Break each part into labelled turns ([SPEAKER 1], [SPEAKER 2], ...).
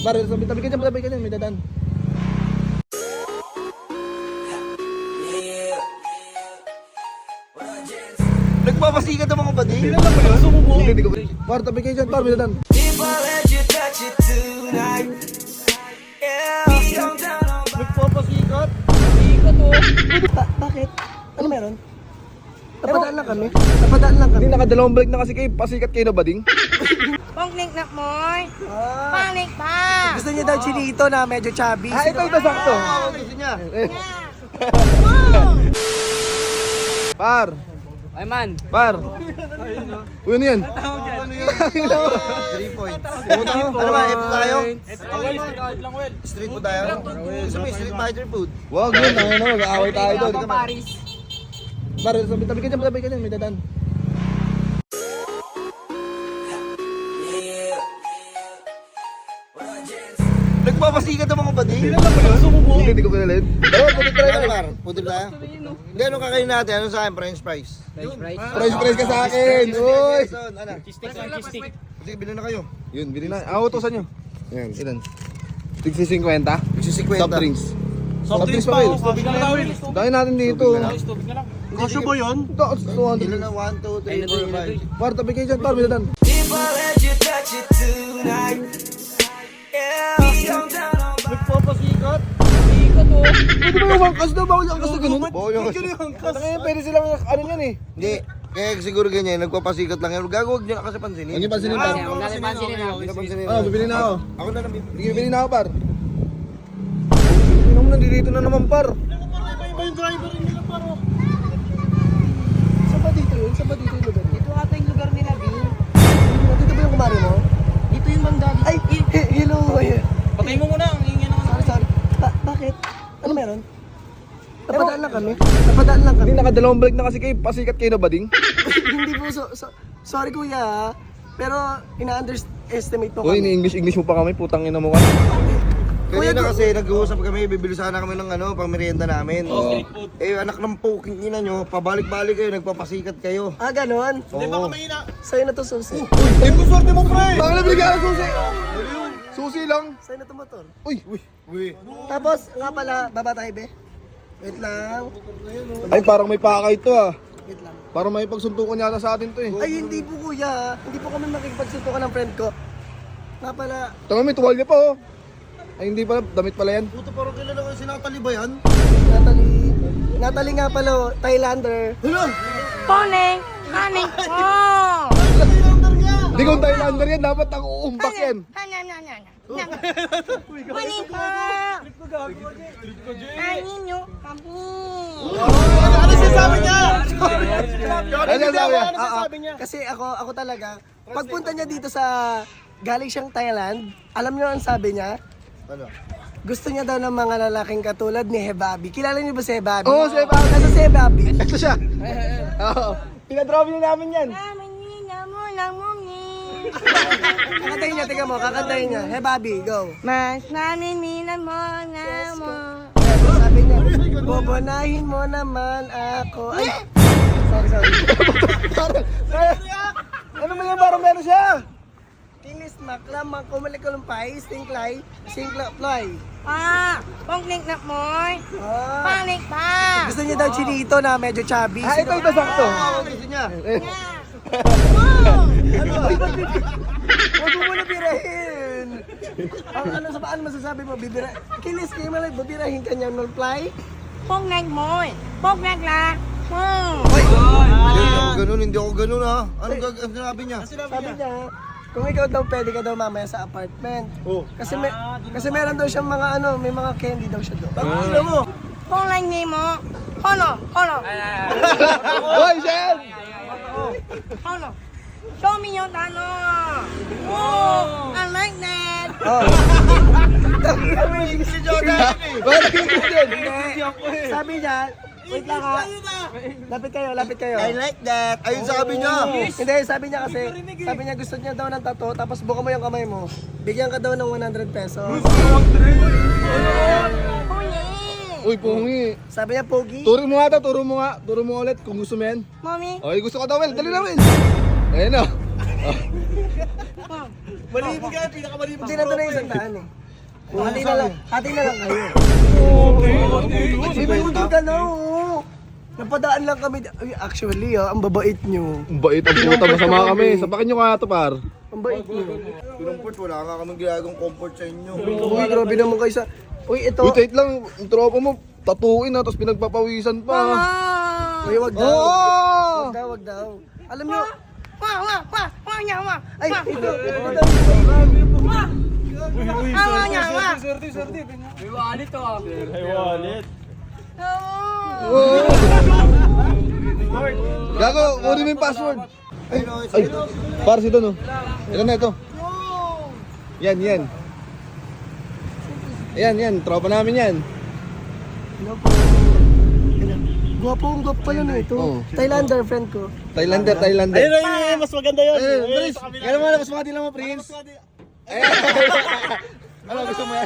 [SPEAKER 1] Par, tabi ka dyan, may dadaan. Nagpapasikat naman ko ba di? Hindi naman yun? Sumubo? Hindi ko ba? Par, tabi kayo dyan, par, may dadaan. Nagpapasikat? Sikat o. Bakit? Ano meron? Napadaan lang kami. Hindi, nakadalawang balik na kasi kayo. Pasikat kayo na bading.
[SPEAKER 2] Pangling na moy. Pangling pa.
[SPEAKER 3] Gusto niya daw chinito na medyo chubby.
[SPEAKER 1] Ito sakto. Gusto niya. Par.
[SPEAKER 4] Ay man.
[SPEAKER 1] Par. Uy, ano yan?
[SPEAKER 3] 3 points. Ano ba? Ito tayo? Street food tayo? Gusto mo yung street fighter food?
[SPEAKER 1] Wag yun, mag-aaway tayo doon.
[SPEAKER 4] Paris.
[SPEAKER 1] Par, tabi ka dyan, may dadaan. Nagpapasikat naman ko ba di? Hindi naman yun? Sumubo? Hindi ko pinalin. Oo, pwede try
[SPEAKER 3] Ano
[SPEAKER 1] na.
[SPEAKER 3] par? Pudol tayo? Hindi, ano kakain natin? Ano sa akin? French fries.
[SPEAKER 1] Price ka sa akin. Uy!
[SPEAKER 3] Ano?
[SPEAKER 4] Cheese.
[SPEAKER 3] Sige, bilhin na kayo.
[SPEAKER 1] Yun, bili na. Utosan nyo. Yan, ilan? Tigsi 50.
[SPEAKER 3] Gusto 50.
[SPEAKER 1] Soft drinks. Soft drinks pa, Will. Dahil natin dito.
[SPEAKER 3] Kasyo ba yun?
[SPEAKER 1] Ito, 200.
[SPEAKER 3] Ilan na? 1, 2, 3, 4, 5.
[SPEAKER 1] Par, tabi kayo dyan, par, may dadaan. Nagpapasikat?
[SPEAKER 4] Sikat o.
[SPEAKER 1] Pwede ba yung hangkas daw? Bawal yung hangkas na ganun?
[SPEAKER 3] Bawal yung
[SPEAKER 1] hangkas. Pwede silang ano yan eh.
[SPEAKER 3] Hindi. Kaya siguro ganyan, nagpapasikat lang yan. Gagawag nyo na kasi pansinin.
[SPEAKER 1] Huwag niyo pansinin, par.
[SPEAKER 4] Huwag natin pansinin ha.
[SPEAKER 3] Hindi na pansinin.
[SPEAKER 1] Bibili na ako.
[SPEAKER 3] Ako na lang.
[SPEAKER 1] Bibili na ako, par. Hindi naman nandito na naman, par.
[SPEAKER 3] Iba yung driver nila paro.
[SPEAKER 1] Saan ba dito yun? Saan ba dito yung lugar niya?
[SPEAKER 4] Ito ata yung lugar nila, Bill.
[SPEAKER 1] Dito ba yung kumari mo?
[SPEAKER 4] Dito yung banda.
[SPEAKER 1] Ay, hello.
[SPEAKER 4] Patay mo muna. Ang ingin naman.
[SPEAKER 1] Sorry. Bakit? Ano meron? Napadaan lang kami. Hindi, nakadalawang balik na kasi kayo. Pasikat kayo na bading.
[SPEAKER 3] Hindi po, sorry kuya. Pero ina-underestimate mo
[SPEAKER 1] Uy,
[SPEAKER 3] kami.
[SPEAKER 1] ni-English mo pa kami. Putang ina mo ka.
[SPEAKER 3] Kanina kasi nag-uusap kami, bibili sana kami ng pang merienda namin. Eh, anak ng poking ina nyo, pabalik-balik kayo, nagpapasikat kayo.
[SPEAKER 1] Ah, ganon?
[SPEAKER 3] Oo.
[SPEAKER 1] Sa'yo na to, susi. Uy, kung swerte mo, pre! Baka nabigyan ng susi! Susi lang.
[SPEAKER 3] Sa'yo na to motor.
[SPEAKER 1] Uy!
[SPEAKER 3] Tapos, nga pala, baba tayo be. Wait lang.
[SPEAKER 1] Ay, parang may pakay to ah.
[SPEAKER 3] Wait lang.
[SPEAKER 1] Parang may pagsuntukan yata sa atin to eh.
[SPEAKER 3] Ay, hindi po kuya. Hindi po kami makikipagsuntukan ng friend ko. Nga pala.
[SPEAKER 1] Tama, may tuwalya pa oh. Ay, hindi pala. Damit pala yan.
[SPEAKER 3] Puto, parang kilala ko si Natalie ba yan?
[SPEAKER 1] Natalie nga pala, oh, Thailander.
[SPEAKER 3] Hala!
[SPEAKER 2] Pangling. Pangling po.
[SPEAKER 1] Hindi kung Thailander yan, dapat ang uumbak yan.
[SPEAKER 2] Pangling po. Kainin nyo kami.
[SPEAKER 3] Ano sinasabi niya?
[SPEAKER 1] Ano sabi niya?
[SPEAKER 3] Kasi ako talaga, pagpunta niya dito sa galing siyang Thailand, alam niyo ang sabi niya? Ano? Gusto niya daw ng mga lalaking katulad ni Hebabi. Kilala niyo ba si Hebabi?
[SPEAKER 1] Oo, si Hebabi.
[SPEAKER 3] Nasa si Hebabi.
[SPEAKER 1] Ito siya. Oo. Pinadrop niyo namin yan.
[SPEAKER 2] Namanina mo lang muni.
[SPEAKER 3] Kakantayin niya, tingnan mo, kakantayin niya. Hebabi, go.
[SPEAKER 2] Mas naninina mo na mo.
[SPEAKER 3] Sabi niya, bobonahin mo naman ako. Ay! Sorry.
[SPEAKER 1] Parang, ano ba yan? Parang meron siya.
[SPEAKER 3] Kinis makla, makumalikulumpai, stinklay, sinklaploy.
[SPEAKER 2] Pangling na moy.
[SPEAKER 3] Ah.
[SPEAKER 2] Pangling pa.
[SPEAKER 3] Gusto niya daw chinito na medyo chubby.
[SPEAKER 1] Ito sakto.
[SPEAKER 3] Gusto niya.
[SPEAKER 1] Huwag mo muna birahin.
[SPEAKER 3] Ano masasabi mo? Kinis kayo malay, babirahin ka niya multiply?
[SPEAKER 2] Pangling moy. Pangling la.
[SPEAKER 3] Hindi ako ganun ha. Ano sinabi niya? Sabi niya, kung ikaw daw pwede ka daw mamaya sa apartment.
[SPEAKER 1] Oh.
[SPEAKER 3] Kasi meron daw siyang mga may mga candy daw siya doon. Ano mo?
[SPEAKER 2] Pangling ni mo. Hono.
[SPEAKER 1] Hoy, Shen!
[SPEAKER 2] Hono. Show me your tano. Oh, I like that.
[SPEAKER 3] Si Jordan.
[SPEAKER 1] Bakit yung yun?
[SPEAKER 3] Sabi niya, wait lang ha. Lapit kayo.
[SPEAKER 1] I like that. Ayun sabi niya.
[SPEAKER 3] Hindi, sabi niya kasi, sabi niya gusto niya daw ng tattoo, tapos buka mo yung kamay mo. Bigyan ka daw ng 100 pesos.
[SPEAKER 1] Uy, pungi.
[SPEAKER 3] Sabi niya, Pogi.
[SPEAKER 1] Turo mo nga. Turo mo ulit kung gusto mo yan.
[SPEAKER 2] Mommy.
[SPEAKER 1] Oy, gusto ko daw, Wel. Dali na, Wel. Ayun na. Malibog ka, pinakamalibog.
[SPEAKER 3] Hindi na ito na yung sandaan eh. Hati na lang kayo. May motor ka na, oo. Napadaan lang kami. Ay, actually, ang babait nyo.
[SPEAKER 1] Ang bait ang puta, masama kami. Sapakin nyo kaya ito, par.
[SPEAKER 3] Ang bait nyo.
[SPEAKER 5] Comfort, wala nga kaming ginagawang comfort sa inyo.
[SPEAKER 3] Uy, grabe naman kayo sa... Uy, ito.
[SPEAKER 1] Uy, tight lang. Yung tropa mo, tatuin na, tapos pinagpapawisan pa.
[SPEAKER 3] Uy, wag daw.
[SPEAKER 1] Oo!
[SPEAKER 3] Wag daw. Alam nyo,
[SPEAKER 2] Wah, niya, wah.
[SPEAKER 3] ay,
[SPEAKER 2] Wah.
[SPEAKER 3] ito daw.
[SPEAKER 2] Wah. Wah, niya, wah.
[SPEAKER 4] May wallet to ah.
[SPEAKER 1] Gago, kunin mo yung password.
[SPEAKER 5] Ay, no,
[SPEAKER 1] Ay, para ito, no? Ito na, ito. Yan. Yan, tropa namin yan.
[SPEAKER 3] Gwapo pala na ito.
[SPEAKER 1] Oo.
[SPEAKER 3] Thailander, friend ko.
[SPEAKER 1] Thailander.
[SPEAKER 5] Ayun, mas maganda yun.
[SPEAKER 1] Eh, Dres, gano'n mo na, mas mga lang mo, Prince. Eh, ano, gusto mo yan?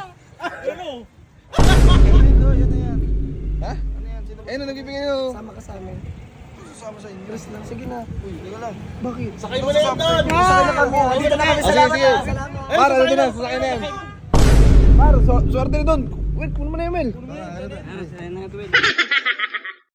[SPEAKER 1] Ha? Ayun, nagbibigay nyo.
[SPEAKER 3] Sama ka sa amin.
[SPEAKER 5] Sama sa inyo.
[SPEAKER 3] Chris lang, sige na.
[SPEAKER 5] Uy, teka lang.
[SPEAKER 3] Bakit?
[SPEAKER 5] Sakay mo na yan doon!
[SPEAKER 3] Sakay na kami. Dito na kami.
[SPEAKER 1] Sige,
[SPEAKER 3] Salamat
[SPEAKER 1] sige.
[SPEAKER 3] na. Salamat.
[SPEAKER 1] Par, ano din na, sasakay na yan. Par, swerte na doon. Wait, kunin mo na yung mail.
[SPEAKER 4] Ano, sa'yo na ito, Will.